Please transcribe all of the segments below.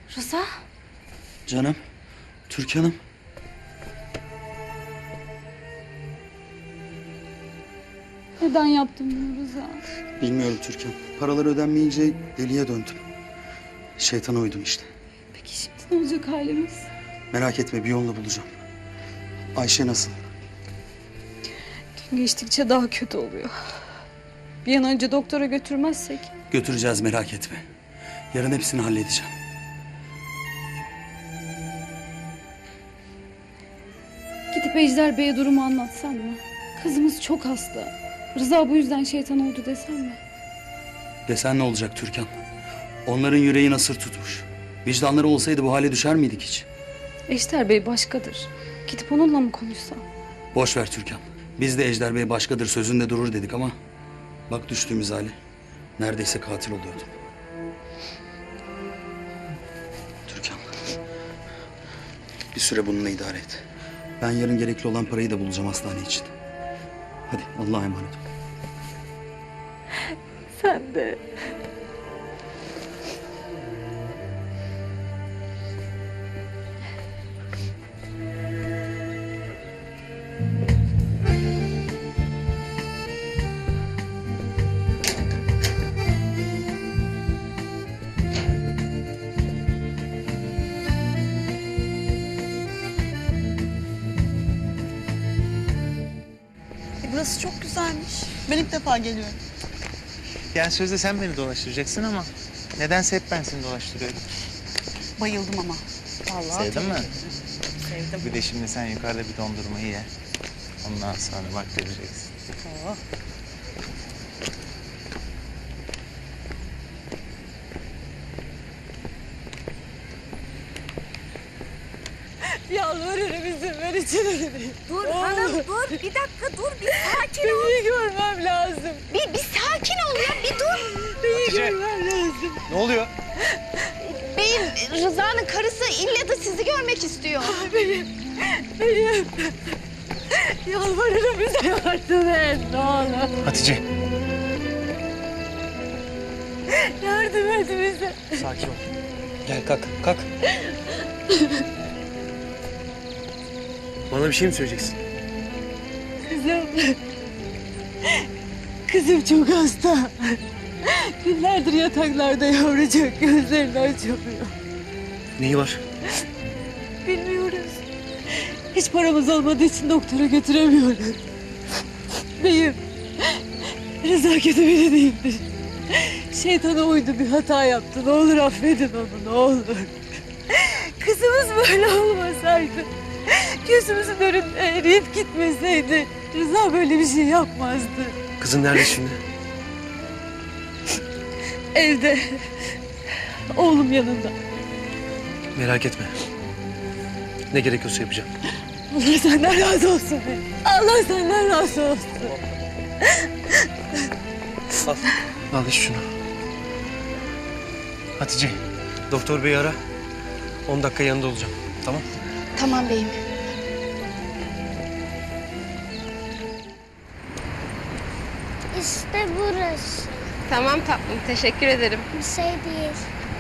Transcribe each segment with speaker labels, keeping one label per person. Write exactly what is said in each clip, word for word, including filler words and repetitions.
Speaker 1: Rıza?
Speaker 2: Canım, Türkan'ım.
Speaker 1: Neden yaptın bunu Rıza?
Speaker 2: Bilmiyorum Türkan. Paralar ödenmeyince deliye döndüm. Şeytana uydum işte.
Speaker 1: Peki şimdi ne olacak halimiz?
Speaker 2: Merak etme, bir yolunu bulacağım. Ayşe nasıl?
Speaker 1: Gün geçtikçe daha kötü oluyor. Bir an önce doktora götürmezsek.
Speaker 2: Götüreceğiz, merak etme. Yarın hepsini halledeceğim.
Speaker 1: Gidip Ejder Bey'e durumu anlatsam mı? Kızımız çok hasta. Rıza bu yüzden şeytan oldu desem mi?
Speaker 2: Desen ne olacak Türkan? Onların yüreği nasır tutmuş. Vicdanları olsaydı bu hale düşer miydik hiç?
Speaker 1: Ejder Bey başkadır. Gidip onunla mı konuşsam?
Speaker 2: Boş ver Türkan. Biz de Ejder Bey başkadır, sözünde durur dedik ama... bak düştüğümüz hale. Neredeyse katil oluyordum. Türkan. Bir süre bununla idare et. Ben yarın gerekli olan parayı da bulacağım hastane için. Hadi Allah'a emanet ol.
Speaker 1: Sen de.
Speaker 3: Burası çok güzelmiş. Ben ilk defa geliyorum.
Speaker 4: Yani sözde sen beni dolaştıracaksın ama nedense hep ben seni dolaştırıyorum.
Speaker 3: Bayıldım ama. Vallahi
Speaker 4: Sevdin mi?
Speaker 3: sevdim.
Speaker 4: Bir de şimdi sen yukarıda bir dondurmayı ye. Ondan sonra bak göreceksin.
Speaker 3: Oh.
Speaker 1: Yalvarırım izin ver içeri.
Speaker 5: Dur hanım dur bir dakika dur bir sakin ol.
Speaker 1: Beni görmem lazım.
Speaker 5: Bir, bir sakin ol ya bir dur.
Speaker 4: Hatice, ne oluyor?
Speaker 5: Beyim Rıza'nın karısı ille de sizi görmek istiyor.
Speaker 1: Beyim, beyim. Yalvarırım bize yardım et ne olur.
Speaker 4: Hatice.
Speaker 1: Yardım et bize.
Speaker 4: Sakin ol. Gel kalk, kalk. Bana bir şey mi söyleyeceksin?
Speaker 1: Kızım. Kızım çok hasta. Günlerdir yataklarda yavrucak gözlerini açamıyor.
Speaker 4: Neyi var?
Speaker 1: Bilmiyoruz. Hiç paramız olmadığı için doktora götüremiyoruz. Beyim, Rıza kötü biri değildir. Şeytana uydu, bir hata yaptı. Ne olur affedin onu, ne olur. Kızımız böyle olmasaydı, gözümüzün önünde eriyip gitmeseydi... Rıza böyle bir şey yapmazdı.
Speaker 6: Kızın nerede şimdi?
Speaker 1: Evde, oğlum yanında.
Speaker 6: Merak etme. Ne gerekiyorsa yapacağım.
Speaker 1: Allah senden razı olsun be. Allah senden razı olsun.
Speaker 6: Al. Al iç şunu. Hatice, doktor beyi ara. On dakika yanında olacağım. Tamam?
Speaker 5: Tamam beyim.
Speaker 7: İşte burası.
Speaker 8: Tamam tatlım, teşekkür ederim.
Speaker 7: Bir şey değil.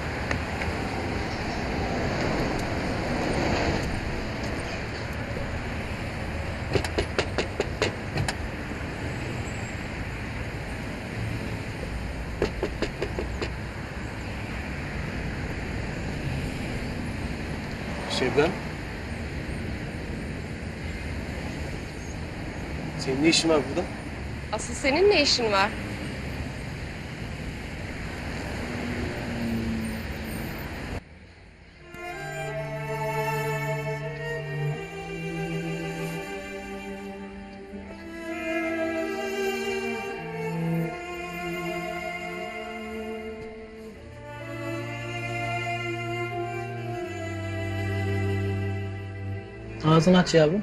Speaker 6: Şebnem. Senin ne işin var burada?
Speaker 8: Asıl senin ne işin var?
Speaker 9: Ağzını aç yavrum.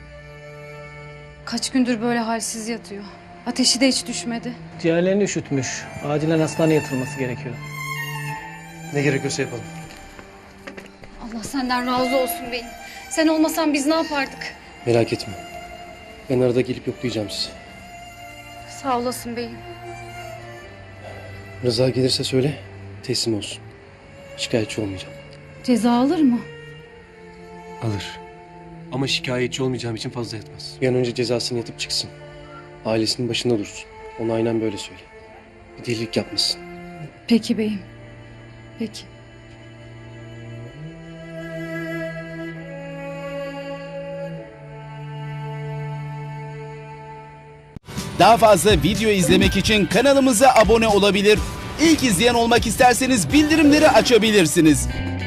Speaker 1: Kaç gündür böyle halsiz yatıyor. Ateşi de hiç düşmedi.
Speaker 9: Ciğerlerini üşütmüş. Acilen hastaneye yatırılması gerekiyor.
Speaker 6: Ne gerekiyorsa yapalım.
Speaker 1: Allah senden razı olsun beyim. Sen olmasan biz ne yapardık?
Speaker 6: Merak etme. Ben arada gelip yoklayacağım sizi.
Speaker 1: Sağ olasın beyim.
Speaker 6: Rıza gelirse söyle, teslim olsun. Şikayetçi olmayacağım.
Speaker 1: Ceza alır mı?
Speaker 6: Alır. Ama şikayetçi olmayacağım için fazla yatmaz. Bir an önce cezasını yatıp çıksın. Ailesinin başında dursun. Ona aynen böyle söyle. Bir delilik yapmasın.
Speaker 1: Peki beyim. Peki.
Speaker 7: Daha fazla video izlemek için kanalımıza abone olabilir. İlk izleyen olmak isterseniz bildirimleri açabilirsiniz.